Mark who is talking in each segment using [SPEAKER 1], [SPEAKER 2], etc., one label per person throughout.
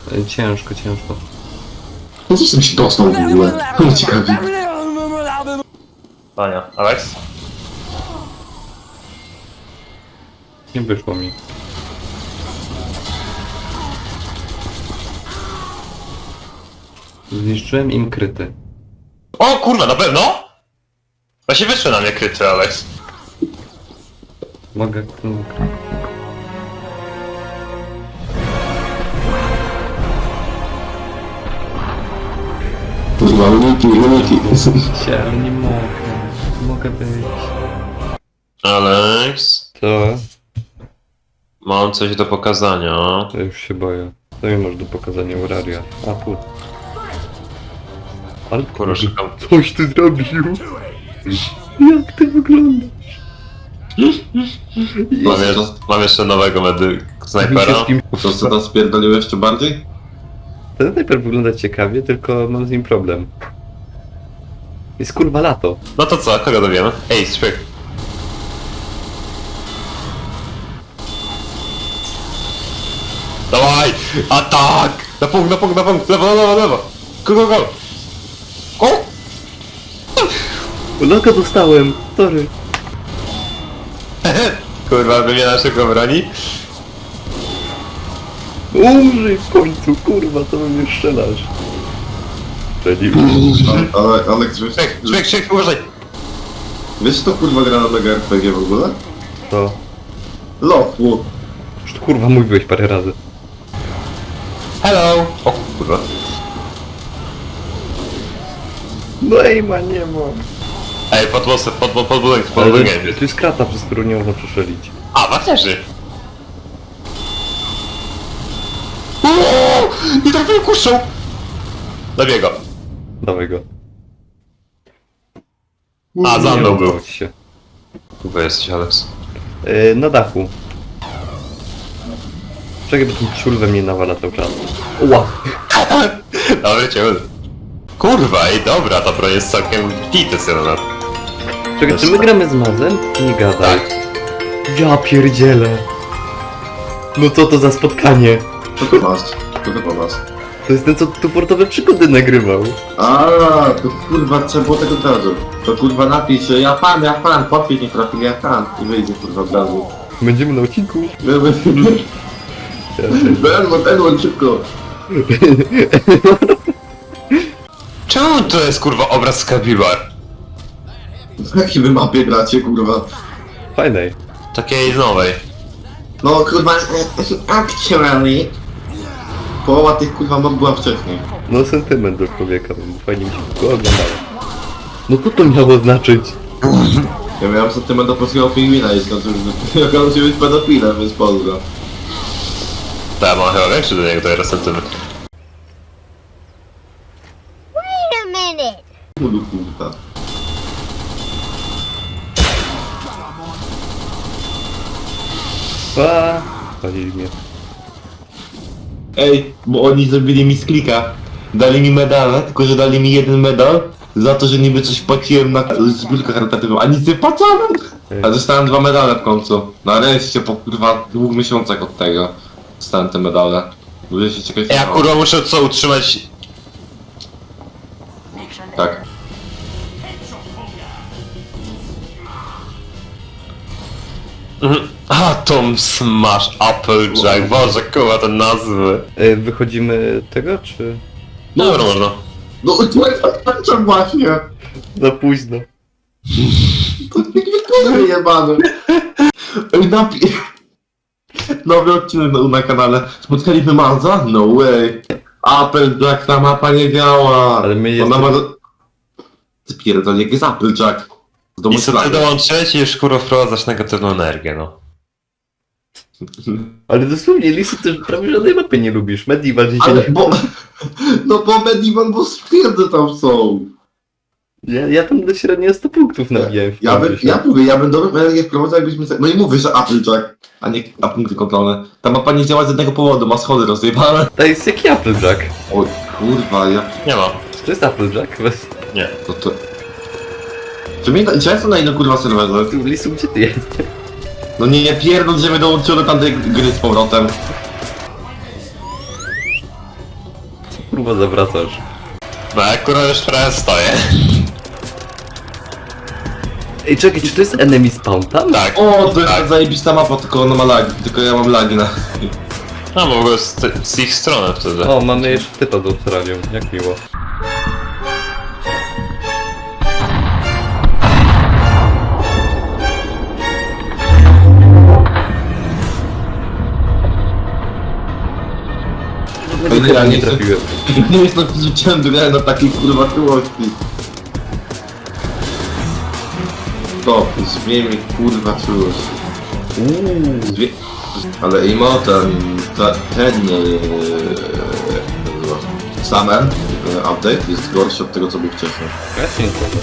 [SPEAKER 1] Ciężko, ciężko.
[SPEAKER 2] No co się dostał w ogóle? To ciekawi.
[SPEAKER 3] Pania, Alex?
[SPEAKER 1] Nie wyszło mi. Zniszczyłem im kryty.
[SPEAKER 3] O kurwa, na pewno? Właśnie wyszły na mnie kryty, Alex.
[SPEAKER 1] Mogę...
[SPEAKER 2] Kurwa, uniki.
[SPEAKER 1] Chciałem, nie mogę. Mogę być.
[SPEAKER 3] Alex?
[SPEAKER 1] Co?
[SPEAKER 3] Mam coś do pokazania.
[SPEAKER 1] Ja już się boję. Co mi masz do pokazania Uraria? A tu. Ale
[SPEAKER 3] Kurwa, szukam.
[SPEAKER 1] coś ty zrobił? Jak ty wyglądasz?
[SPEAKER 3] Mam jeszcze nowego snajpera.
[SPEAKER 2] To co tam spierdolił jeszcze bardziej?
[SPEAKER 1] Ten snajper wygląda ciekawie, tylko mam z nim problem. Jest kurwa lato.
[SPEAKER 3] No to co, kogo dowiemy? Ej, szpyk. Dawaj! Atak! Na punkt, lewo! Go! O!
[SPEAKER 1] Loka dostałem, sorry.
[SPEAKER 3] Kurwa, wymiana szybko broni.
[SPEAKER 1] Umrzyj w końcu, kurwa, to mnie strzelasz. Ready?
[SPEAKER 2] Ale Aleks, wiesz...
[SPEAKER 3] Szpyk, uważaj!
[SPEAKER 2] Wiesz to kurwa gra na mega RPG w ogóle?
[SPEAKER 1] To.
[SPEAKER 2] Lochwu.
[SPEAKER 1] Już to kurwa mówiłeś parę razy.
[SPEAKER 3] Hello! O kurwa.
[SPEAKER 1] No ej ma, nie ma.
[SPEAKER 3] Ej, pod budynkiem,
[SPEAKER 1] Ale tu jest krata, przez którą nie można przeszelić.
[SPEAKER 3] A, warterzy! Nie trafiłem kuszą! Zabiję go.
[SPEAKER 1] Dawaj go.
[SPEAKER 3] A, za mną był.
[SPEAKER 1] udało ci się.
[SPEAKER 3] Chyba jesteś, Alex.
[SPEAKER 1] Na dachu. Czekaj, bo ten ciul we mnie nawala cały czas. Ła!
[SPEAKER 3] Dobry cię. Kurwa, ej, dobra, to pro jest całkiem pity syna.
[SPEAKER 1] Czekaj, czy my gramy z Mazem? Nie gadaj. Ja pierdzielę. No co to za spotkanie?
[SPEAKER 2] Co to masz? Co to masz?
[SPEAKER 1] To jest ten, co tu portowe przygody nagrywał.
[SPEAKER 2] A, to kurwa trzeba było tego od razu. To kurwa napisz, ja pan, podpis nie trafił, ja pan. I wyjdzie kurwa od razu.
[SPEAKER 1] Będziemy na odcinku.
[SPEAKER 2] Edward, szybko.
[SPEAKER 3] Czemu to jest kurwa obraz z Kabibar?
[SPEAKER 2] W jakiej wy mapie gracie kurwa?
[SPEAKER 1] Fajnej.
[SPEAKER 3] Takiej nowej.
[SPEAKER 2] No kurwa, actually. Połowa tych kurwa map była wcześniej.
[SPEAKER 1] No sentyment do człowieka, więc fajnie mi się go oglądało. No co to miało znaczyć?
[SPEAKER 2] Ja miałem sentyment do polskiego pingwina i skąd już on się być pedofilem, więc pozdro.
[SPEAKER 3] Tak, mam chyba większy do niego teraz sentyment.
[SPEAKER 4] Wait a minute.
[SPEAKER 2] Mudu kurwa.
[SPEAKER 1] Palili mnie.
[SPEAKER 2] Ej, bo oni zrobili mi z klika. Dali mi medale, tylko że dali mi jeden medal za to, że niby coś płaciłem na zbiórkę charytatywną, a nic nie płacałem! A dostałem 2 medale w końcu. Nareszcie po kurwa 2 miesiącach od tego dostałem te medale. Ludzie się ciekawi.
[SPEAKER 3] Ja kurwa muszę co utrzymać.
[SPEAKER 2] Tak.
[SPEAKER 3] Atom Smash Applejack, boże kurwa te nazwy.
[SPEAKER 1] Wychodzimy tego, czy...
[SPEAKER 3] Dobra, można.
[SPEAKER 2] No to jest odpatrzem właśnie!
[SPEAKER 1] Za późno.
[SPEAKER 2] To nie jebany. Ej, nowy odcinek na kanale. Spotkaliśmy Marza? No way. Applejack, ta mapa nie działa.
[SPEAKER 1] Ale my
[SPEAKER 2] Ona
[SPEAKER 1] jesteśmy...
[SPEAKER 2] ma... Ty pierdol, jak jest Applejack? Z domu
[SPEAKER 3] I co ty
[SPEAKER 2] Slany.
[SPEAKER 3] dołączyłeś i już kurwa wprowadzasz negatywną energię, no.
[SPEAKER 1] Ale dosłownie, Lisu, ty prawie żadnej mapy nie lubisz. Medieval dzisiaj
[SPEAKER 2] Ale
[SPEAKER 1] nie...
[SPEAKER 2] bo... No bo Medieval, bo stwierdzę tam są.
[SPEAKER 1] Ja tam do średnio 100 punktów nabijałem.
[SPEAKER 2] Ja bym dobrą energię wprowadzał, jakbyśmy... No i mówię, że Applejack, a nie a punkty kontrolne. Ta mapa nie działa z jednego powodu, ma schody rozjebane.
[SPEAKER 1] To jest jaki Applejack.
[SPEAKER 2] Oj, kurwa, ja...
[SPEAKER 3] Nie ma.
[SPEAKER 1] To jest Applejack? Weź...
[SPEAKER 3] Nie.
[SPEAKER 2] To... Czy ja jestem na innym kurwa serwerze?
[SPEAKER 1] Lisu, gdzie ty jesteś?
[SPEAKER 2] No nie pierdol, że mnie dołączyły do tamtej gry z powrotem.
[SPEAKER 1] kurwa zawracasz?
[SPEAKER 3] No jak kurwa już trochę stoję.
[SPEAKER 1] Ej, czekaj, czy to jest enemy spawn tam?
[SPEAKER 3] Tak.
[SPEAKER 2] O, to jest
[SPEAKER 3] tak.
[SPEAKER 2] ta zajebista mapa, tylko ona ma lagi, tylko ja mam lagi na...
[SPEAKER 3] No bo w ogóle z ich strony wtedy.
[SPEAKER 1] O, mamy jeszcze typa z Australią, jak miło.
[SPEAKER 2] Ja
[SPEAKER 1] Nie trafiłem.
[SPEAKER 2] Nie jest to rzuciłem grę na takiej kurwa czułości. To, zmiejmy kurwa czułość. Ale imo ten Summer update jest gorszy od tego co był wcześniej.
[SPEAKER 1] Właśnie nie to.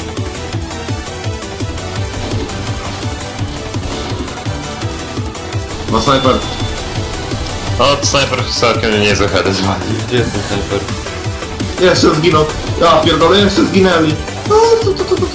[SPEAKER 2] No snajper,
[SPEAKER 3] No snajper całkiem niezły head zwali.
[SPEAKER 1] Gdzie jest ten snajper?
[SPEAKER 2] jeszcze zginął. Ja pierdolę, jeszcze zginęli. No, to.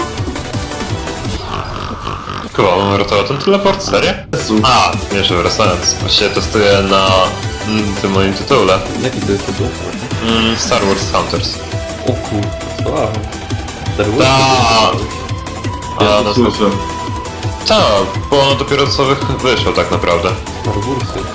[SPEAKER 3] Kurwa, mam ratował ten teleport, serio?
[SPEAKER 2] Jezu.
[SPEAKER 3] A, jeszcze wracając. Właściwie testuję na tym moim tytule.
[SPEAKER 1] Jaki to jest tytuł?
[SPEAKER 3] Star Wars Hunters.
[SPEAKER 1] O kurwa, wow. Star Wars?
[SPEAKER 3] Ta.
[SPEAKER 2] Ja
[SPEAKER 3] A,
[SPEAKER 2] to
[SPEAKER 3] no
[SPEAKER 2] słyszę.
[SPEAKER 3] tak, bo ono dopiero co wyszło tak naprawdę.
[SPEAKER 1] Star Warsy.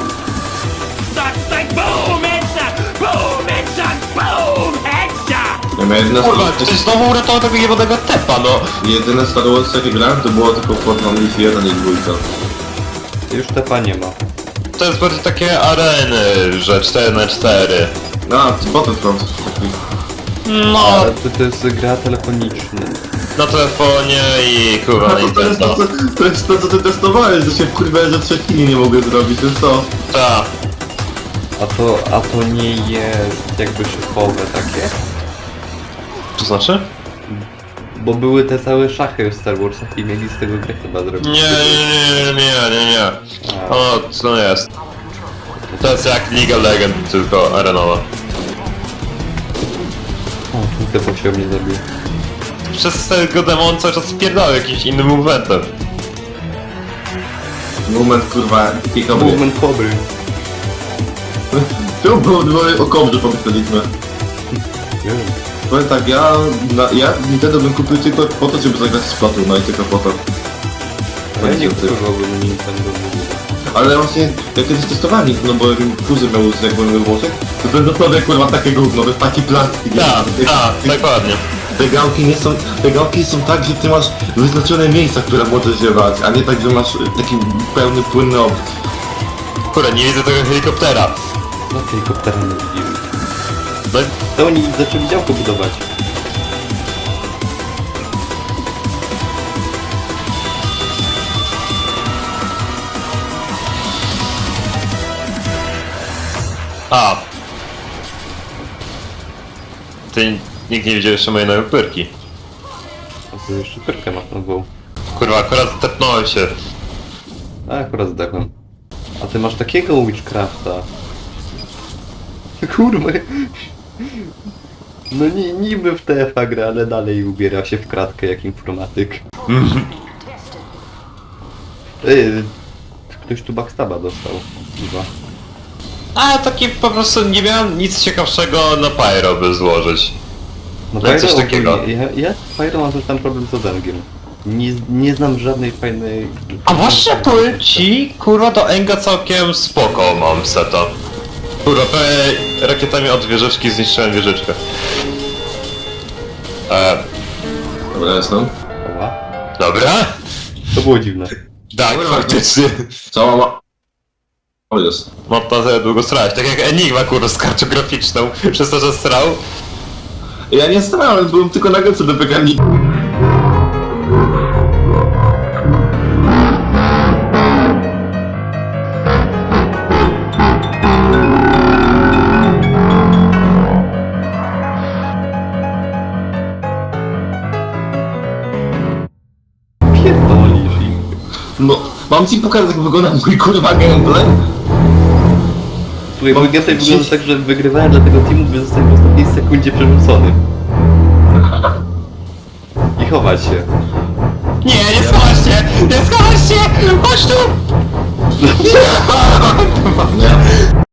[SPEAKER 5] Like boom, headshot, boom, headshot, boom, headshot.
[SPEAKER 2] Ja miałem jedyne
[SPEAKER 3] Kurwa, ktoś znowu uratował tego jebanego tepa, no.
[SPEAKER 2] jedyne Star Wars jakie grałem to było tylko Fortnite Leaf 1 i 2.
[SPEAKER 1] Już tepa nie ma.
[SPEAKER 3] To jest bardziej takie areny, że 4x4.
[SPEAKER 2] A, Battlefront taki.
[SPEAKER 3] No,
[SPEAKER 1] Ale to jest gra telefoniczna.
[SPEAKER 3] na telefonie i kurwa na
[SPEAKER 2] To jest to,
[SPEAKER 3] Nintendo.
[SPEAKER 2] to jest to co ty testowałeś, że się wkurwiałeś, że 3 chwili nie mogę zrobić, to jest to.
[SPEAKER 3] Ta.
[SPEAKER 1] A to nie jest jakby szybowe takie?
[SPEAKER 3] To znaczy?
[SPEAKER 1] Bo były te całe szachy w Star Warsach i mieli z tego grę chyba zrobić.
[SPEAKER 3] Nie. O, co jest? To jest jak League of Legends, tylko arenowa.
[SPEAKER 1] O, tu te się mnie zabił.
[SPEAKER 3] Przez tego demon cały czas spierdał jakimś innym movementem.
[SPEAKER 2] Moment kurwa, kikowy.
[SPEAKER 1] Movement Cobry.
[SPEAKER 2] Tu było o kobrze pomyśleliśmy. Powiem tak, ja Nintendo bym kupił tylko po to, żeby zagrać z Splatoona i tylko po to.
[SPEAKER 1] Ja nie kupowałbym Nintendo.
[SPEAKER 2] Ale właśnie, jak kiedyś testowałem Nintendo, bo kuzyn miał jak byłem we Włoszech, to ten dosłownie kurwa takie gówno, to jest taki plastik.
[SPEAKER 3] Dokładnie.
[SPEAKER 2] Te gałki są tak, że ty masz wyznaczone miejsca, które możesz je brać, a nie tak, że masz taki pełny, płynny obrót.
[SPEAKER 3] Kurde, nie widzę tego helikoptera.
[SPEAKER 1] No helikoptera nie widzimy.
[SPEAKER 3] No,
[SPEAKER 1] To oni zaczęli działko budować.
[SPEAKER 3] a. Ty nikt nie widział jeszcze mojej nowej pyrki.
[SPEAKER 1] A tu jeszcze pyrkę masz na głowę.
[SPEAKER 3] Kurwa, akurat tepnąłem się.
[SPEAKER 1] A akurat zdechłem. A ty masz takiego Witchcrafta. Kurwa. No niby w TF-a gra, ale dalej ubiera się w kratkę jak informatyk. Ej, ktoś tu backstaba dostał. Chyba.
[SPEAKER 3] A taki po prostu nie miałem nic ciekawszego na Pyro by złożyć.
[SPEAKER 1] No
[SPEAKER 3] No, coś takiego.
[SPEAKER 1] Ja z Pyro mam też tam problem z Odengiem. Nie znam żadnej fajnej...
[SPEAKER 3] A właśnie powiem ci, kurwa do Enga całkiem spoko mam seta. Kurwa, prawie rakietami od wieżyczki zniszczyłem wieżyczkę.
[SPEAKER 2] Dobra, jestem.
[SPEAKER 1] Oła.
[SPEAKER 3] Dobra?
[SPEAKER 1] To było dziwne.
[SPEAKER 3] Tak, faktycznie.
[SPEAKER 2] Cała ma... O, jest.
[SPEAKER 3] Mam na tyle długo strać, tak jak Enigma kurwa z kartograficzną, przez to, że strał.
[SPEAKER 2] Ja nie starałem, byłem tylko na gęce do piekarnika.
[SPEAKER 1] Pierdolisz ich.
[SPEAKER 2] No, mam ci pokazać jak wygląda mój kurwa gameplay?
[SPEAKER 1] Słuchaj,
[SPEAKER 2] Mam
[SPEAKER 1] mój gameplay
[SPEAKER 2] dziś-
[SPEAKER 1] wygląda tak, że wygrywałem dla tego teamu, by zostać w ostatniej sekundzie przerzucony. I chować się.
[SPEAKER 3] Nie schowasz się! Nie schowasz się! Chodź tu!
[SPEAKER 2] Nie.